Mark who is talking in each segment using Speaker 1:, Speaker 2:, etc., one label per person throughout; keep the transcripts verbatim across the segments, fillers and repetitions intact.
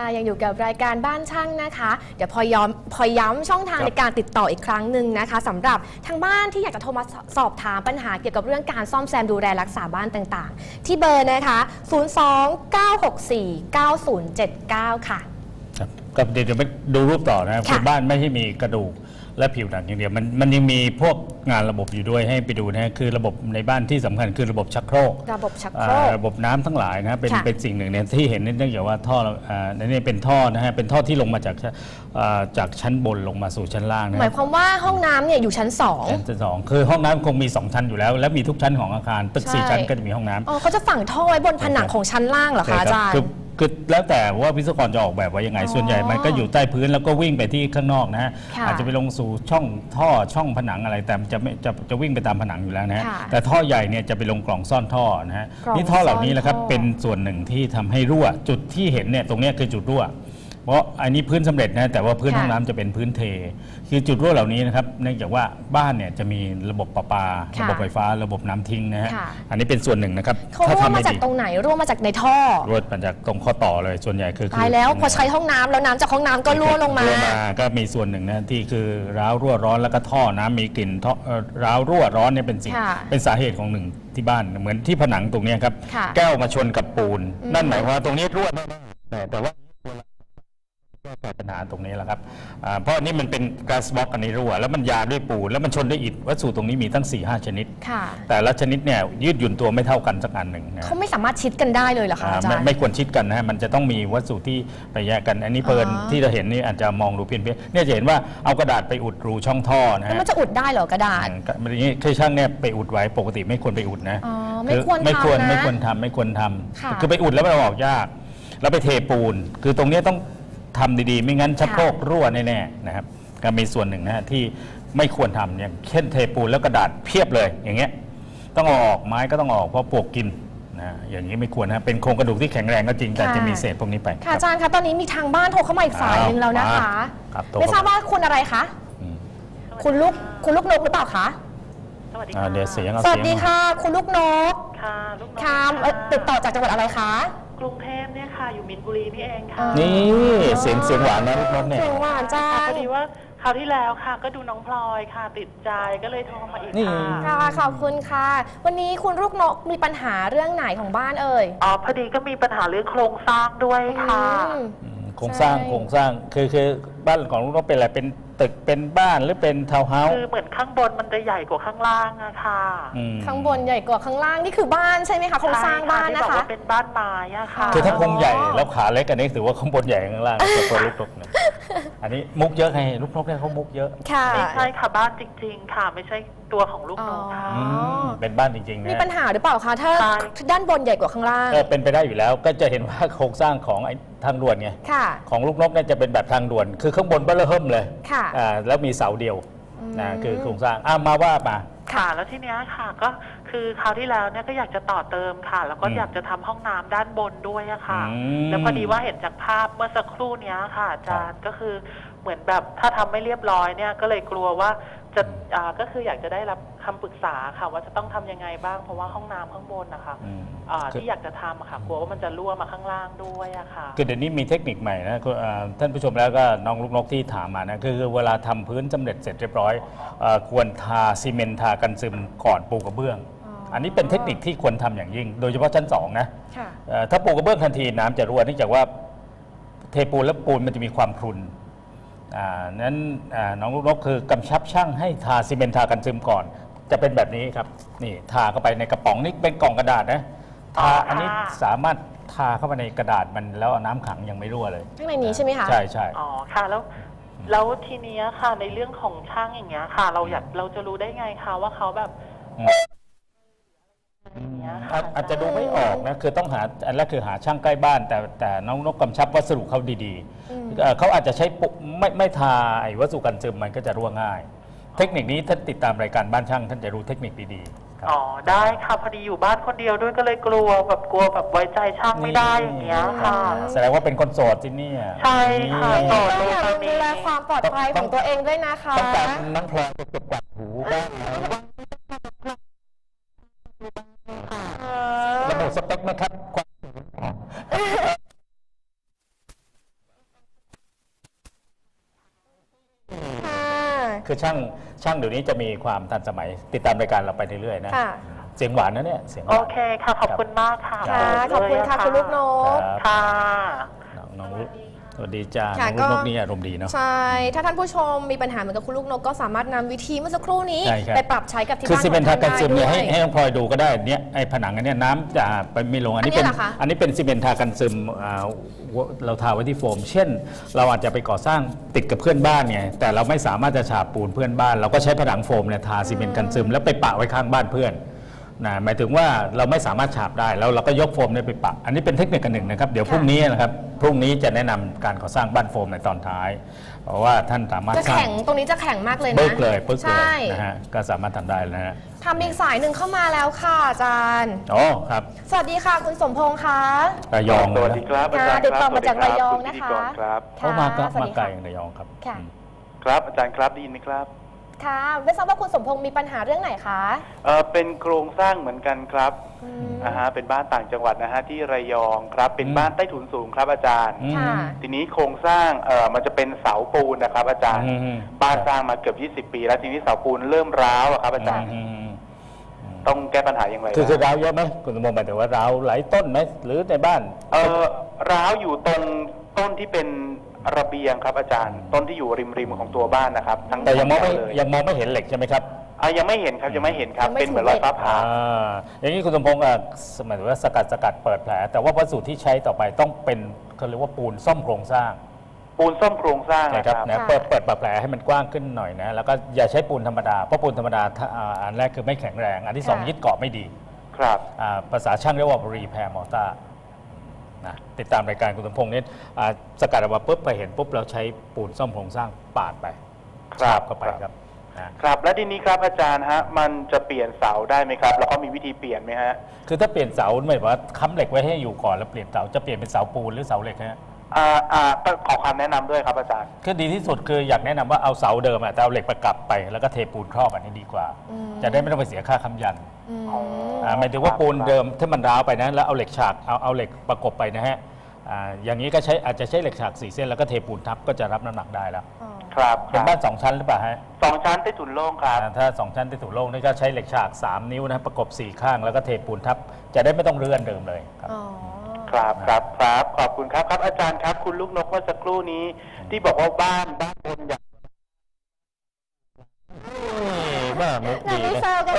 Speaker 1: ยังอยู่กับรายการบ้านช่างนะคะเดี๋ยวพอย้ำพอย้ำช่องทางในการติดต่ออีกครั้งหนึ่งนะคะสำหรับทางบ้านที่อยากจะโทรมาสอบถามปัญหาเกี่ยวกับเรื่องการซ่อมแซมดูแลรักษาบ้านต่างๆที่เบอร์นะคะศูนย์ สอง เก้า หก สี่ เก้า ศูนย์ เจ็ด เก้าค่ะ
Speaker 2: ครับก็เดี๋ยวไปดูรูปต่อนะครับคือบ้านไม่ใช่มีกระดูกและผิวหนังอย่างเดียวมันมันยังมีพวกงานระบบอยู่ด้วยให้ไปดูนะคือระบบในบ้านที่สำคัญคือระบบชักโครก
Speaker 1: ระบบชักโครก
Speaker 2: ระบบน้ำทั้งหลายนะเป็นเป็นสิ่งหนึ่งเนี่ยที่เห็นเนื่องจากว่าท่อในนี้เป็นท่อนะฮะเป็นท่อที่ลงมาจากจากชั้นบนลงมาสู่ชั้นล่างนะ
Speaker 1: หมายความว่าห้องน้ำเนี่ยอยู่ชั้นสอง
Speaker 2: ชั้นสองคือห้องน้ำคงมีสองชั้นอยู่แล้วและมีทุกชั้นของอาคารตึกสี่ชั้นก็จะมีห้องน้ำ
Speaker 1: อ๋อเขาจะฝังท่อไว้บนผนังของชั้นล่างเหรอคะอาจารย์
Speaker 2: คือแล้วแต่ว่าวิศวกรจะออกแบบไว้ยังไงส่วนใหญ่มันก็อยู่ใต้พื้นแล้วก็วิ่งไปที่ข้างนอกนะฮะอาจจะไปลงสู่ช่องท่อช่องผนังอะไรแต่จะไม่จะจะวิ่งไปตามผนังอยู่แล้วนะฮะแต่ท่อใหญ่เนี่ยจะไปลงกล่องซ่อนท่อนะฮะนี่ท่อเหล่านี้แหละครับเป็นส่วนหนึ่งที่ทำให้รั่วจุดที่เห็นเนี่ยตรงนี้คือจุดรั่วเพราะอันนี้พื้นสำเร็จนะแต่ว่าพื้นห้องน้ำจะเป็นพื้นเทคือจุดรั่วเหล่านี้นะครับเนื่องจากว่าบ้านเนี่ยจะมีระบบประปาระบบไฟฟ้าระบบน้ำทิ้งนะฮะอันนี้เป็นส่วนหนึ่งนะครับ
Speaker 1: เขารั่วมาจากตรงไหนรั่วมาจากในท่อ
Speaker 2: รั่วมาจากตรงข้อต่อเลยส่วนใหญ่คือ
Speaker 1: ตายแล้วพอใช้ห้องน้ำแล้วน้ำจากห้องน้ำก็รั่วลงมา
Speaker 2: ก็มีส่วนหนึ่งนะที่คือร้าวรั่วร้อนแล้วก็ท่อน้ำมีกลิ่นท่อร้าวรั่วร้อนเนี่ยเป็นสิ่งเป็นสาเหตุของหนึ่งที่บ้านเหมือนที่ผนังตรงนี้ครับแก้วมาชนกับปูนนั่นหมายความว่าตรงนี้รั่วแน่ๆแต่ว่าแก้ปัญหาตรงนี้แหละครับเพราะนี่มันเป็นก๊าซบล็อกอันนี้รั่วแล้วมันยาด้วยปูนแล้วมันชนด้วยอิฐวัสดุตรงนี้มีตั้ง สี่ห้า ชนิดแต่ละชนิดเนี่ยยืดหยุ่นตัวไม่เท่ากันสักอันหนึ่ง
Speaker 1: เขาไม่สามารถชิดกันได้เลยเหรอคะอาจารย์
Speaker 2: ไม่ควรชิดกันนะมันจะต้องมีวัสดุที่ไปแยกกันอันนี้เพลินที่เราเห็นนี่อาจจะมองดูเพี้ยนๆเนี่ยจะเห็นว่าเอากระดาษไปอุดรูช่องท่อนะฮะ
Speaker 1: มันจะอุดได้เหรอกระดาษ
Speaker 2: มันอย่างนี้คือช่างเนี่ยไปอุดไว้ปกติไม่ควรไปอุดนะ
Speaker 1: ไม่ควร
Speaker 2: ไม่ควรไม่ควรทำไม่ควรทำคือไปอุดแล้วมันออกยากแล้วไปเทปูนคือตรงนี้ต้องทำดีๆไม่งั้นชักโครกรั่วแน่ๆนะครับก็มีส่วนหนึ่งนะฮะที่ไม่ควรทำอย่างเช่นเทปูนแล้วกระดาษเพียบเลยอย่างเงี้ยต้องเอาออกไม้ก็ต้องออกเพราะปลวกกินนะอย่างนี้ไม่ควรนะเป็นโครงกระดูกที่แข็งแรงก็จริงแต่จะมีเศษพวกนี้ไป
Speaker 1: ค่ะอาจารย์คะตอนนี้มีทางบ้านโทรเข้ามาอีกสายหนึ่งแล้วนะคะไม่ทราบว่าคุณอะไรคะคุณลูกคุณลูกนกหรือเปล่าคะ
Speaker 3: สวัสดีค่ะเ
Speaker 2: ดี๋ยวเสียง
Speaker 1: สวัสดีค่ะคุณลูกนก
Speaker 3: ค่ะลูกนก
Speaker 1: ค่ะติดต่อจากจังหวัดอะไรคะ
Speaker 3: กรุงเทพเนี่ยค่ะอยู่มินบุรีนี่เองค่ะ
Speaker 2: นี่เสียงเสียงหวานนะลูกนกเนี่ย
Speaker 1: เสียงหวานจ้า
Speaker 3: พอดีว่าคราวที่แล้วค่ะก็ดูน้องพลอยค่ะติดใจก็เลยโทรมาอีก
Speaker 1: ค่ะขอบคุณค่ะวันนี้คุณลูกนกมีปัญหาเรื่องไหนของบ้านเอ่ย
Speaker 3: อ๋อพอดีก็มีปัญหาเรื่องโครงสร้างด้วยค่ะ
Speaker 2: โครงสร้างโครงสร้างคือคือบ้านของลูกนกเป็นอะไรเป็นตึกเป็นบ้านหรือเป็นทาวน์เฮาส์
Speaker 3: คือเหมือนข้างบนมันจะใหญ่กว่าข้างล่างอะค่ะ
Speaker 1: ข้างบนใหญ่กว่าข้างล่างนี่คือบ้านใช่ไหมคะโครงสร้างบ้านนะคะที่บอก
Speaker 3: ว่าเป็นบ้านไม้อะค่ะ
Speaker 2: คือถ้าโครงใหญ่แล้วขาเล็กอันนี้ถือว่าข้างบนใหญ่ข้างล่างตัวลูกนกเนี่ยอันนี้มุกเยอะไงลูกนกเนี่ยเขามุกเยอะ
Speaker 3: ไม่ใช่ค่ะบ้านจริงๆค่ะไม่ใช่ตัวของลูกนกค่ะ
Speaker 2: เป็นบ้านจริงๆนะ
Speaker 1: มีปัญหาหรือเปล่าคะถ้าด้านบนใหญ่กว่าข้างล่าง
Speaker 2: ก็เป็นไปได้อยู่แล้วก็จะเห็นว่าโครงสร้างของทางด่วนไงของลูกนกเนี่ยจะเป็นแบบทางด่วนคือข้างบนเบ้อเริ่มเลยแล้วมีเสาเดียวนะคือโครงสร้างอ้ามาว่ามา
Speaker 3: ค่ะแล้วทีเนี้ยค่ะก็คือคราวที่แล้วเนี่ยก็อยากจะต่อเติมค่ะแล้วก็อยากจะทำห้องน้ำด้านบนด้วยอะค่ะแล้วพอดีว่าเห็นจากภาพเมื่อสักครู่นี้ค่ะอาจารย์ก็คือเหมือนแบบถ้าทำไม่เรียบร้อยเนี่ยก็เลยกลัวว่าจะก็คืออยากจะได้รับคำปรึกษาค่ะว่าจะต้องทำยังไงบ้างเพราะว่าห้องน้ำข้างบนนะคะที่อยากจะทำอะค่ะกลัวว่ามันจะรั่วมาข้างล่างด้วยอะค่ะ
Speaker 2: คือเดี๋ยวนี้มีเทคนิคใหม่นะท่านผู้ชมแล้วก็น้องลูกนกที่ถามมานะคือเวลาทำพื้นสำเร็จเสร็จเรียบร้อยควรทาซีเมนต์ทากันซึมก่อนปูกระเบื้องอันนี้เป็นเทคนิคที่ควรทำอย่างยิ่งโดยเฉพาะชั้นสองนะถ้าปูกระเบื้องทันทีน้ำจะรั่วเนื่องจากว่าเทปูนและปูนมันจะมีความพรุนนั้นน้องลูกนกคือกำชับช่างให้ทาซีเมนต์ทากันซึมก่อนจะเป็นแบบนี้ครับนี่ทาเข้าไปในกระป๋องนี่เป็นกล่องกระดาษนะทาอันนี้สามารถทาเข้าไปในกระดาษมันแล้วน้ำขังยังไม่รั่วเลย
Speaker 1: ข้างในนี้ใช่ไหมคะ
Speaker 2: ใช่ใช่
Speaker 3: อ๋อค่ะแล้วแล้วทีนี้ค่ะในเรื่องของช่างอย่างเงี้ยค่ะเราอยากเราจะรู้ได้ไงคะว่าเขาแบบ
Speaker 2: อาจจะดูไม่ออกนะคือต้องหาอันแรกคือหาช่างใกล้บ้านแต่แต่น้องนกกำชับวัสดุเขาดีๆเขาอาจจะใช้ไม่ไม่ทาไอ้วัสดุกันซึมมันก็จะรั่วง่ายเทคนิคนี้ท่านติดตามรายการบ้านช่างท่านจะรู้เทคนิคดี
Speaker 3: ๆอ๋อได้ค่ะพอดีอยู่บ้านคนเดียวด้วยก็เลยกลัวแบบกลัวแบบไว้ใจช่างไม่ได้อย่างเงี้ยค่ะ
Speaker 2: แสดงว่าเป็นคนโสดที่นี่
Speaker 3: ใช่ค่ะโสด
Speaker 1: ต้องอย่าลืมดูแลความปลอดภัยของตัวเองด้วยนะคะ
Speaker 2: ต้องการน้ำพลอยจะเก็บกวาดหูบ้างระบุสเปคไหมครับคือช่างช่างเดี๋ยวนี้จะมีความทันสมัยติดตามรายการเราไปเรื่อยๆนะ
Speaker 1: ค่ะ
Speaker 2: เสียงหวานนะเนี่ยเสียงห
Speaker 3: โอ
Speaker 2: วาน
Speaker 3: เคค่ะขอบคุณมากค่ะ
Speaker 1: ค่ะ
Speaker 3: เปิด
Speaker 1: ขอบคุณค่ะ
Speaker 3: เลย
Speaker 1: คุณลูกนก
Speaker 2: ครับ
Speaker 3: ค่ะ
Speaker 2: น้องน้องสวัสดีจ้า
Speaker 1: ค่ะ
Speaker 2: น้องลูกน
Speaker 1: ก็
Speaker 2: กนี่อารมณ์ดีเนาะ
Speaker 1: ใช่ ถ้าท่านผู้ชมมีปัญหาเหมือนกับคุณลูกนกก็สามารถนำวิธีเมื่อสักครู่นี้
Speaker 2: ใช่ครับ
Speaker 1: ไปปรับใช้กับที่
Speaker 2: คือ
Speaker 1: บ้าน
Speaker 2: ซีเมนต์ทากันซึมเนี่ย
Speaker 1: ได้
Speaker 2: ให้
Speaker 1: ด้วย
Speaker 2: ให้น้องพลอยดูก็ได้เนี่ยไอ้ผนังอันเนี้ยน้ำจะไปไม่ลงอันนี้
Speaker 1: อันนี้
Speaker 2: เป็น
Speaker 1: เหรอคะ
Speaker 2: อันนี้เป็นซีเมนต์ทากันซึมอ่าเราทาไว้ที่โฟม เช่น เราอาจจะไปก่อสร้างติดกับเพื่อนบ้านไงแต่เราไม่สามารถจะฉาบปูนเพื่อนบ้าน เราก็ใช้ผนังโฟมเนี่ยทาซีเมนต์กันซึมแล้วไปปะไว้ข้างบ้านเพื่อนนะหมายถึงว่าเราไม่สามารถฉาบได้แล้วเราก็ยกโฟมเนี่ยไปปะอันนี้เป็นเทคนิคกันหนึ่งนะครับเดี๋ยวพรุ่งนี้นะครับพรุ่งนี้จะแนะนำการก่อสร้างบ้านโฟมในตอนท้าย เพราะว่าท่านสามารถ
Speaker 1: จะ
Speaker 2: สร้าง
Speaker 1: แข็งตรงนี้จะแข็งมากเลยนะ
Speaker 2: ปึ๊กเลยปึ๊กเล
Speaker 1: ใช่
Speaker 2: ยนะฮะก็สามารถทำได้นะฮะ
Speaker 1: ทำอีกสายหนึ่งเข้ามาแล้วค่ะอาจารย์
Speaker 2: อ๋อครับ
Speaker 1: สวัสดีค่ะคุณสมพงษ์คะ
Speaker 2: ระยอง
Speaker 4: สวัสดีครับอาจารย์
Speaker 1: ติดต่อ
Speaker 4: ครับ
Speaker 1: มาจาก
Speaker 4: สวัสดี
Speaker 1: ระยอง
Speaker 4: ณ
Speaker 1: นะ
Speaker 4: พิธี
Speaker 1: คะ
Speaker 4: กรครับ
Speaker 2: เขามาก็
Speaker 1: สวัส
Speaker 2: มา
Speaker 1: ดี
Speaker 2: ไกล
Speaker 1: ค่ะ
Speaker 2: อย่างระยองครับ
Speaker 1: ค่ะ
Speaker 2: อืม
Speaker 4: ครับอาจารย์ครับได้ยินไหมครับ
Speaker 1: ค่ะไม่ทราบว่าคุณสมพงษ์มีปัญหาเรื่องไหนคะ
Speaker 4: เออเป็นโครงสร้างเหมือนกันครับ
Speaker 1: อืม
Speaker 4: นะฮะเป็นบ้านต่างจังหวัดนะฮะที่ระยองครับเป็น
Speaker 2: อืม
Speaker 4: บ้านใต้ถุนสูงครับอาจารย์
Speaker 2: อืม
Speaker 1: ค่ะ
Speaker 4: ทีนี้โครงสร้างเออมันจะเป็นเสาปูนนะครับ อาจารย์
Speaker 2: อืมอืม
Speaker 4: บ้านสร้างมาเกือบยี่สิบปี แล้วทีนี้เสาปูนเริ่มร้าวอะครับอาจารย์
Speaker 2: อืมอืมอืม
Speaker 4: ต้องแก้ปัญหาอย่างไร
Speaker 2: คือคือ
Speaker 4: บ้าง
Speaker 2: ร้าวเยอะไหมคุณสมพงษ์หมายถึงว่าร้าวหลายต้นไหมหรือในบ้าน
Speaker 4: เออร้าวอยู่ตรงต้นที่เป็นระเบียงครับอาจารย์ ต้นที่อยู่ริมริมๆของตัวบ้านนะครับทั้ง
Speaker 2: แต่ยังมองไม่
Speaker 4: ทั้เลย
Speaker 2: ยังมองไม่เห็นเหล็กใช่ไหมครับ
Speaker 4: อ่ะยังไม่เห็นครับยังไม่เห็นครับ
Speaker 1: ยังไม่
Speaker 4: เป็นเหมือนรอยฟ้าผ่า
Speaker 2: อ่าอย่างนี้คุณสมพงษ์อ่ะหมายถึงว่าสกัดสกัดเปิดแผล แต่ว่าวัสดุที่ใช้ต่อไปต้องเป็นเขาเรียกว่าปูนซ่อมโครงสร้าง
Speaker 4: ปูนซ่อมโครงสร้าง
Speaker 2: นะ
Speaker 4: นะ
Speaker 2: ค
Speaker 4: ค
Speaker 2: รั
Speaker 4: รั
Speaker 2: บบ นะ
Speaker 1: ค่ะ
Speaker 2: เปิดเปิดแผลให้มันกว้างขึ้นหน่อยนะแล้วก็อย่าใช้ปูนธรรมดาเพราะปูนธรรมดาถ้าอ่าอันแรกคือไม่แข็งแรง อันที่สอง
Speaker 1: ค่ะ
Speaker 2: ยึดเกาะไม่ดี
Speaker 4: ครับ
Speaker 2: อ่าภาษาช่างเรียกว่ารีแพร์มอร์ตานะติดตามรายการคุณสมพงษ์นี่อ่าสกัดออกมาปุ๊บไปเห็นปุ๊บเราใช้ปูนซ่อมโครงสร้างปาดไป
Speaker 4: ครับ
Speaker 2: ฉาเข้าไป
Speaker 4: ครับ
Speaker 2: ครับนะครับ
Speaker 4: และทีนี้ครับอาจารย์ฮะมันจะเปลี่ยนเสาได้ไหมครับ แล้วก็มีวิธีเปลี่ยนไหมฮะ
Speaker 2: คือถ้าเปลี่ยนเสาหมายว่าค้ำเหล็กไว้ให้อยู่ก่อนแล้วเปลี่ยนเสาจะเปลี่ยนเป็นเสาปูนหรือเสาเหล็กฮะ
Speaker 4: อ่าอ่าขอคำแนะนำด้วยครับอาจารย์
Speaker 2: คือดีที่สุดคืออยากแนะนำว่าเอาเสาเดิมอะแต่เอาเหล็กประกับไปแล้วก็เทปูนครอบอันนี้ดีกว่า
Speaker 1: อืม
Speaker 2: จะได้ไม่ต้องไปเสียค่าค้ำยัน
Speaker 1: อืม
Speaker 4: อ๋อ
Speaker 2: อ่าหมายถึงว่าปูนเดิมถ้ามันร้าวไปนะแล้วเอาเหล็กฉากเอาเอาเหล็กประกบไปนะฮะอ่าอย่างนี้ก็ใช้อาจจะใช้เหล็กฉากสี่เส้นแล้วก็เทปูนทับก็จะรับน้ำหนักได้แล้ว
Speaker 1: อ๋อ
Speaker 4: ครับค
Speaker 2: เป็น
Speaker 4: รับ
Speaker 2: บ้านสองชั้นหรือเปล่าฮะ
Speaker 4: สองชั้นใต้ถุนโล่งครับ
Speaker 2: อ่าถ้าสองชั้นที่ถูกโล่งนี่ก็ใช้เหล็กฉากสามนิ้วนะประกบสี่ข้างแล้วก็เทปูนทับจะได้ไม่ต้องเลื่อนเดิมเลยครับ
Speaker 1: อ๋อ
Speaker 4: ครับครับครับขอบคุณครับครับอาจารย์ครับ คุณลูกนกเมื่อสักครู่นี้ ที่บอกว่าบ้านบ้านบนอย่าง
Speaker 2: ว่ามุก
Speaker 1: อย่า
Speaker 2: ดี
Speaker 1: ไป
Speaker 2: นะ
Speaker 1: แซวกัน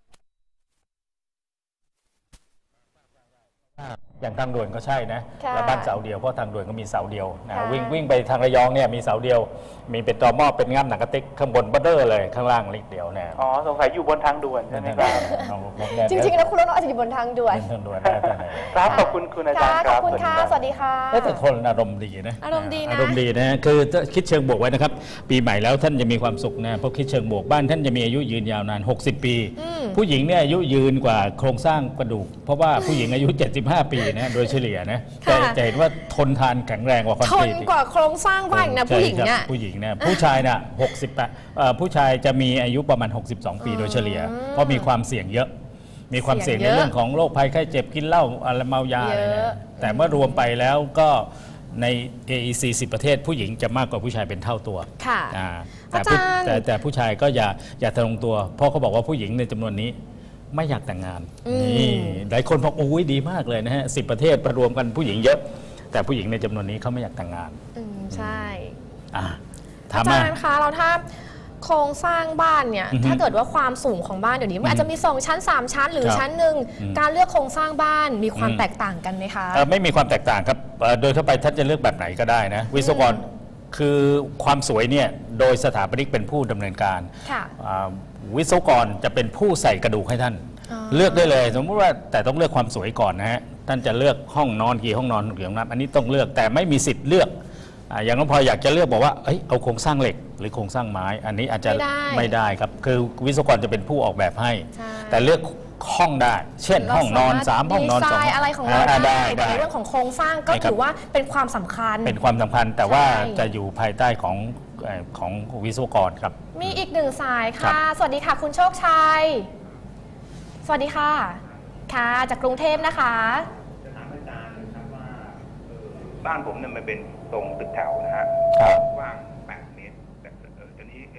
Speaker 2: อย่างทางด่วนก็ใช่นะ
Speaker 1: ค่ะ
Speaker 2: แล้วบ้านเสาเดียวเพราะทางด่วนก็มีเสาเดียวนะ
Speaker 1: ค่ะ
Speaker 2: วิ่งวิ่งไปทางระยองเนี่ยมีเสาเดียว มีเป็นตอหม้อเป็นง่ามหนังกระติกข้างบนบัตเตอร์เลยข้างล่างเล็กเดียวนะ
Speaker 4: อ๋อสงสัยอยู่บนทางด่วนใช่ไหมครับ
Speaker 2: น้องลูกนกเนี่ย
Speaker 1: จริงๆแล้วคุณลูกนกอาจจะอยู่บนทางด่วน
Speaker 2: เป็นทางด่วนได้แต่ไหน
Speaker 4: ครับขอบคุณคุณอาจารย์
Speaker 1: ค่ะ
Speaker 4: ค
Speaker 1: ขอ
Speaker 4: รั
Speaker 1: บบ คุณค่ะ สวัสดีค่ะ
Speaker 2: แต่คนอารมณ์ดีนะ
Speaker 1: อารมณ์ดีนะ
Speaker 2: อารมณ์ดีนะคือถ้าคิดเชิงบวกไว้นะครับ ปีใหม่แล้วท่านจะมีความสุขนะเพราะคิดเชิงบวกบ้านท่านจะมีอายุยืนยาวนานหกสิบปี
Speaker 1: อืม
Speaker 2: ผู้หญิงเนี่ยอายุยืนกว่าโครงสร้างกระดูก เพราะว่าผู้หญิงอายุ เจ็ดสิบห้า ปีนะโดยเฉลี่ยนะจะ
Speaker 1: ค่ะ
Speaker 2: จะเห็นว่าทนทานแข็งแรงกว่าคอน
Speaker 1: ท
Speaker 2: ก
Speaker 1: น
Speaker 2: รีตอีก
Speaker 1: กว่าโครงสร้างบ้านอีกนะผู้หญิง
Speaker 2: ใช่
Speaker 1: เนี่ย
Speaker 2: ครับผู้หญิงนะผู้ชายน่ะหกสิบแปดเอ่อผู้ชายจะมีอายุประมาณ หกสิบสอง ปีโดยเฉลี่ย
Speaker 1: อืม
Speaker 2: เพราะมีความเสี่ยงเยอะ มีความเสี่ยง
Speaker 1: เสี่
Speaker 2: ใน
Speaker 1: ยงเยอะ
Speaker 2: เรื่องของโรคภัยไข้เจ็บกินเหล้าอะไรเมายาอะไร
Speaker 1: เย
Speaker 2: เนี่ย
Speaker 1: อะ
Speaker 2: แต่เมื่อรวมไปแล้วก็ใน เอ อี ซี สิบประเทศผู้หญิงจะมากกว่าผู้ชายเป็นเท่าตัว
Speaker 1: ค่ะ
Speaker 2: อ่าแต่ผู้
Speaker 1: อาจารย์
Speaker 2: แต่แต่ผู้ชายก็อย่าอย่าทะลงตัว เพราะเขาบอกว่าผู้หญิงในจำนวนนี้ไม่อยากแต่งงาน
Speaker 1: อืม
Speaker 2: นี่หลายคนบอกโอ้ยดีมากเลยนะฮะสิบประเทศประรวมกันผู้หญิงเยอะ แต่ผู้หญิงในจำนวนนี้เขาไม่อยากแต่งงาน
Speaker 1: อืมใช่
Speaker 2: อ่า
Speaker 1: อา
Speaker 2: ถาม
Speaker 1: จา
Speaker 2: มา
Speaker 1: รย์คะเราถ้าโครงสร้างบ้านเนี่ย
Speaker 2: อือฮึ
Speaker 1: ถ้าเกิดว่าความสูงของบ้านเดี๋ยวนี้มันอาจจะมีสองชั้นสามชั้น หรือ
Speaker 2: ครับ
Speaker 1: ชั้นหนึ่ง
Speaker 2: อืม
Speaker 1: การเลือกโครงสร้างบ้านมีความ
Speaker 2: อืม
Speaker 1: แตกต่างกันไหมคะ
Speaker 2: เอ่อไม่มีความแตกต่างครับเอ่อโดยทั่วไปท่านจะเลือกแบบไหนก็ได้นะ วิศวกรคือความสวยเนี่ยโดยสถาปนิกเป็นผู้ดำเนินการ
Speaker 1: ค่ะ
Speaker 2: อ่าวิศวกรจะเป็นผู้ใส่กระดูกให้ท่าน
Speaker 1: อ๋อ
Speaker 2: เลือกได้เลย สมมติว่าแต่ต้องเลือกความสวยก่อนนะฮะท่านจะเลือกห้องนอนกี่ห้องนอนกี่ห้องน้ำอันนี้ต้องเลือกแต่ไม่มีสิทธิ์เลือกอ่าอย่างน้องพลอยอยากจะเลือกบอกว่าเอ้ยเอาโครงสร้างเหล็ก หรือโครงสร้างไม้ อันนี้อาจจะ
Speaker 1: ไม่ได้
Speaker 2: ไม่ได้ครับคือวิศวกรจะเป็นผู้ออกแบบให้
Speaker 1: ใช่
Speaker 2: แต่เลือกห้องได้ เช่น ห้องนอนสามห้องนอน
Speaker 1: ดี
Speaker 2: สอง
Speaker 1: ไซน์อะไรของเรา
Speaker 2: า
Speaker 1: ได้แต่
Speaker 2: ได้
Speaker 1: ในเรื่องของโครงสร้างก็
Speaker 2: ใช่ครับ
Speaker 1: ถือว่าเป็นความสำคัญ
Speaker 2: เป็นความสำคัญแต่ว่า
Speaker 1: ใช่
Speaker 2: จะอยู่ภายใต้ของเอ่อของวิศวกรครับ
Speaker 1: มีอีกหนึ่งสาย
Speaker 2: ครั
Speaker 1: ค่ะ
Speaker 2: บ
Speaker 1: สวัสดีค่ะ คุณโชคชัย สวัสดีค่ะ ค่ะ จากกรุงเทพนะคะ
Speaker 5: จะถามอาจารย์นะครับว่าเอ่อบ้านผมเนี่ยมันเป็นทรงตึกแถวนะฮะ
Speaker 2: ครับ
Speaker 5: กว้างแปดเมตรแต่เออตอนนี้เออผม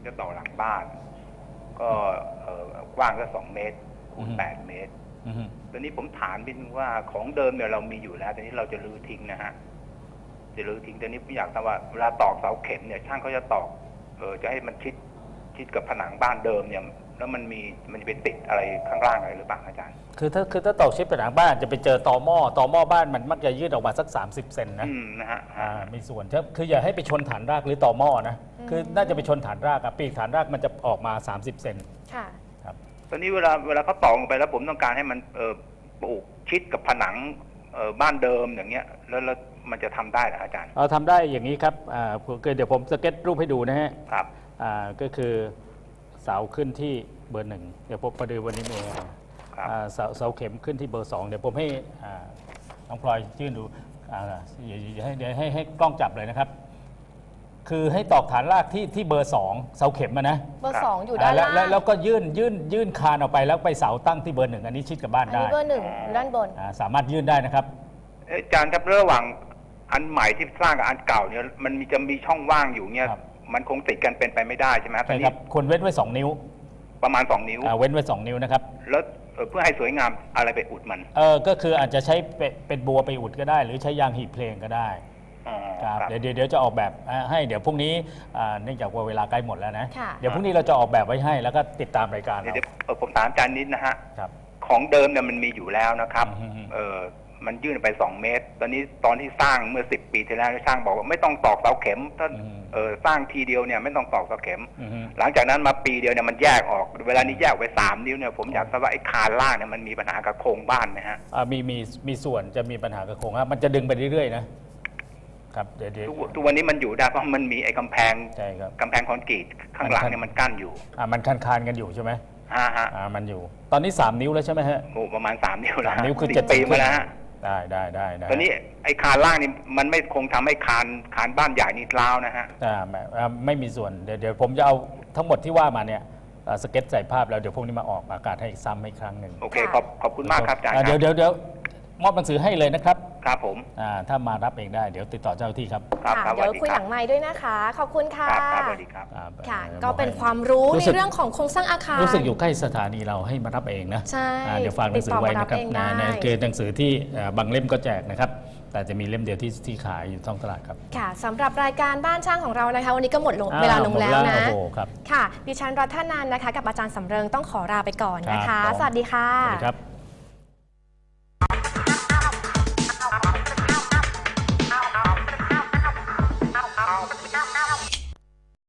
Speaker 6: จะต่อหลังบ้าน ก็เอ่อกว้างก็สองเมตรคูณ
Speaker 2: อืม
Speaker 6: แปดเมตร
Speaker 2: อือฮึ
Speaker 6: ตอนนี้ผมถามนิดนึงว่าของเดิมเนี่ยเรามีอยู่แล้วแต่นี้เราจะรื้อทิ้งนะฮะจะรื้อทิ้งแต่นี้ผมอยากทราบว่าเวลาตอกเสาเข็มเนี่ยช่างเขาจะตอกเออจะให้มันชิดชิดกับผนังบ้านเดิมเนี่ยแล้วมันมีมันจะไปติดอะไรข้างล่างอะไรหรือเปล่าอาจารย์
Speaker 2: คือถ้าคือถ้าตอกชิปผนังบ้านจะไปเจอตอหม้อตอหม้อบ้านมันมักจะยืดออกมาสัก สามสิบ เซนนะ
Speaker 6: อืมนะฮะ
Speaker 2: อ่ามีส่วนครับคืออย่าให้ไปชนฐานรากหรือตอหม้อนะคือน่าจะไปชนฐานรากอะปีกฐานรากมันจะออกมา สามสิบ เซน
Speaker 1: ค่ะ
Speaker 2: ครับ
Speaker 6: ตอนนี้เวลาเวลาเขาตอกลงไปแล้วผมต้องการให้มันเออปลูกชิดกับผนังเออบ้านเดิมอย่างเงี้ยแล้วแล้วมันจะทำได้เหรออาจารย์
Speaker 2: เราทำได้อย่างนี้ครับอ่าคือเดี๋ยวผมสเก็ตรูปให้ดูนะฮะ
Speaker 6: ครับ
Speaker 2: อ่าก็คือเสาขึ้นที่เบอร์หนึ่งเดี๋ยวผมประเดี๋ยววันนี้มี
Speaker 6: ครับ
Speaker 2: อ่าเสาเสาเข็มขึ้นที่เบอร์สองเดี๋ยวผมให้อ่าน้องพลอยยื่นดูอ่าเดี๋ยวเดี๋ยวให้เดี๋ยวให้ให้กล้องจับเลยนะครับ คือให้ตอกฐานรากที่ที่เบอร์สองเสาเข็มอะนะ
Speaker 1: เบอร์สองอยู่ด้าน
Speaker 2: แล้ว
Speaker 1: ล่าง
Speaker 2: แล้วแล้วก็ยื่นยื่นยื่นคานออกไปแล้วไปเสาตั้งที่เบอร์หนึ่งอันนี้ชิดกับบ้าน
Speaker 1: อัน
Speaker 2: ได้
Speaker 1: นี้เบอร์หนึ่งอยู่ด้านบน
Speaker 2: อ่าสามารถยื่นได้นะครับ
Speaker 6: เอ้ยอาจารย์ครับระหว่างอันใหม่ที่สร้างกับอันเก่าเนี่ยมันมีจะมีช่องว่างอยู่เนี่ย
Speaker 2: ครับ
Speaker 6: มันคงติดกันเป็นไปไม่ได้ใช่ไหมครับตอ
Speaker 2: ใช่
Speaker 6: น
Speaker 2: ค
Speaker 6: นี้
Speaker 2: รับควรเว้นไว้สองนิ้ว
Speaker 6: ประมาณสองนิ้ว
Speaker 2: อ่าเว้นไว้สองนิ้วนะครับ
Speaker 6: แล้วเอ่อเพื่อให้สวยงามอะไรไปอุดมัน
Speaker 2: เออก็คืออาจจะใช้เป็นเป็นบัวไปอุดก็ได้ หรือใช้ยางหีบเพลงก็ได้
Speaker 6: อ๋อ
Speaker 2: ครับ
Speaker 6: ครับ
Speaker 2: เดี๋ยวเดี๋ยวเดี๋ยวจะออกแบบอ่าให้เดี๋ยวพรุ่งนี้อ่าเนื่องจากว่าเวลาใกล้หมดแล้วนะ
Speaker 1: ค่ะ
Speaker 2: เดี๋ยวพรุ่งนี้เราจะออกแบบไว้ให้แล้วก็ติดตามรายการ
Speaker 6: เดี๋ยว
Speaker 2: เรา
Speaker 6: เดี๋ยวเอ่อผมถามอาจารย์นิดนะฮะ
Speaker 2: ครับ
Speaker 6: ของเดิมเนี่ยมันมีอยู่แล้วนะครับ
Speaker 2: อืม
Speaker 6: เออมันยื่นไปสองเมตร ตอนนี้ตอนที่สร้างเมื่อสิบปีที่แล้วช่างบอกว่าไม่ต้องตอกเสาเข็มถ้า
Speaker 2: อืม
Speaker 6: เออสร้างทีเดียวเนี่ยไม่ต้องตอกเสาเข็ม
Speaker 2: อือฮึ
Speaker 6: หลังจากนั้นมาปีเดียวเนี่ยมันแยกออก เวลานี้แยกออกไปสามนิ้วเนี่ยผมอยากทราบว่าไอ้คานล่างเนี่ยมันมีปัญหากับโครงบ้านไหมฮะ
Speaker 2: อ่ามีมีมีส่วนจะมีปัญหากับโครงครับมันจะดึงไปเรื่อยๆนะครับเดี๋ยวเดี๋ยว
Speaker 6: ทุกทุกวันนี้มันอยู่ได้เพราะมันมีไอ้กำแพง
Speaker 2: ใช่ครับ
Speaker 6: กำแพงคอนกรีตข้างหลังเนี่ยมันกั้นอยู่
Speaker 2: อ่ามันคานคานๆกันอยู่ใช่ไหม
Speaker 6: ฮะฮะ
Speaker 2: อ่ามันอยู่ ตอนนี้สามนิ้วแล้วใช่ไหมฮะ
Speaker 6: โอ้ประมาณสามนิ้วแล้ว
Speaker 2: สามนิ้วคือ
Speaker 6: สิบ
Speaker 2: เจ็ด
Speaker 6: ปีมาแล้วฮะ
Speaker 2: ได้ได้ได้ได้
Speaker 6: ตอนนี้ไอ้คานล่างนี่มันไม่คงทำให้คานคานบ้านใหญ่นี่ร้าวนะฮะ
Speaker 2: อ่าไม่อ่าไม่มีส่วนเดี๋ยวเดี๋ยวผมจะเอาทั้งหมดที่ว่ามาเนี่ยอ่าสเก็ตใส่ภาพแล้วเดี๋ยวพรุ่งนี้มาออกอากาศให้ซ้ำอีกครั้งหนึ่ง
Speaker 6: โอเคขอบขอบคุณมากครับอาจารย์
Speaker 2: อ่า
Speaker 6: ค
Speaker 2: เดี๋
Speaker 6: รั
Speaker 2: ยว
Speaker 6: บ
Speaker 2: เดี๋ยวเดี๋ยวมอบหนังสือให้เลยนะครับ
Speaker 6: ครับผม
Speaker 2: อ่าถ้ามารับเองได้เดี๋ยวติดต่อเจ้าหน้าที่ครับ
Speaker 6: ครับ
Speaker 1: ค่ะ
Speaker 6: ครับ
Speaker 1: เดี๋ยว
Speaker 6: สส
Speaker 1: คุยห
Speaker 6: รั
Speaker 1: ลั
Speaker 6: บ
Speaker 1: งไม้ด้วยนะคะ ขอบคุณค่ะ
Speaker 6: ครับครับสวัสดีครับ
Speaker 2: อ่า
Speaker 1: ค่ะ
Speaker 2: อ่อ
Speaker 1: ก็เป็น
Speaker 2: บอกให้
Speaker 1: ความรู้
Speaker 2: รู้
Speaker 1: ใน
Speaker 2: สึก
Speaker 1: เรื่องของโครงสร้างอาคาร
Speaker 2: รู้สึกอยู่ใกล้สถานีเราให้มารับเองนะ
Speaker 1: ใช่
Speaker 2: อ่าเดี๋ยวฝากหนังสือไว้นะครับ
Speaker 1: ติดต่อมารับเองได้
Speaker 2: นะนะคือหนังสือที่อ่าบางเล่มก็แจกนะครับ แต่จะมีเล่มเดียวที่ที่ขายอยู่ท้องตลาดครับ
Speaker 1: ค่ะสำหรับรายการบ้านช่างของเรานะคะ วันนี้ก็หมดลง
Speaker 2: อ้าว
Speaker 1: เวลาลงแล้ว
Speaker 2: หมด
Speaker 1: นะ
Speaker 2: โอ้โหครับ
Speaker 1: ค่ะ ดิฉันรัตนันนะคะ กับอาจารย์สำเริงต้องขอลาไปก่อนนะ
Speaker 2: ครั
Speaker 1: คะ
Speaker 2: บผม
Speaker 1: สวัสดีค่ะ
Speaker 2: สวัสดีครับ